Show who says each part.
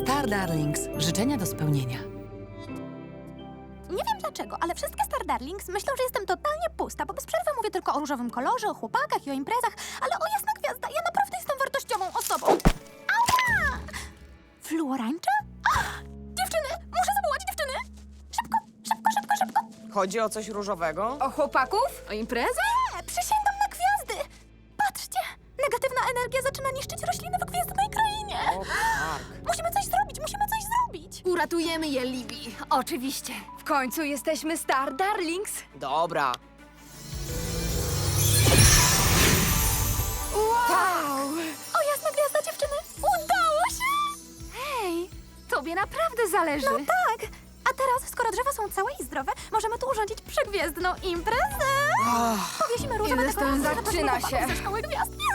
Speaker 1: Star Darlings. Życzenia do spełnienia.
Speaker 2: Nie wiem dlaczego, ale wszystkie Star Darlings myślą, że jestem totalnie pusta, bo bez przerwy mówię tylko o różowym kolorze, o chłopakach i o imprezach, ale o jasna gwiazda, ja naprawdę jestem wartościową osobą. Ała! Fluorańcza? Dziewczyny! Muszę zawołać dziewczyny! Szybko, szybko, szybko, szybko!
Speaker 3: Chodzi o coś różowego?
Speaker 4: O chłopaków? O imprezę?
Speaker 2: Przysięgam na gwiazdy! Patrzcie! Negatywna energia zaczyna niszczyć rośliny w gwiezdnej krainie!
Speaker 3: O, tak.
Speaker 2: Musimy coś zrobić, musimy coś zrobić!
Speaker 4: Uratujemy je, Libby. Oczywiście. W końcu jesteśmy Star Darlings.
Speaker 3: Dobra.
Speaker 4: Wow!
Speaker 2: O jasna gwiazda, dziewczyny! Udało się!
Speaker 4: Hej, tobie naprawdę zależy.
Speaker 2: No tak! A teraz, skoro drzewa są całe i zdrowe, możemy tu urządzić przegwiezdną imprezę! Powiesimy różowe
Speaker 4: Ile stron
Speaker 2: dekoracje na
Speaker 4: zaczyna
Speaker 2: chłopaków
Speaker 4: się.
Speaker 2: ze szkoły gwiazd.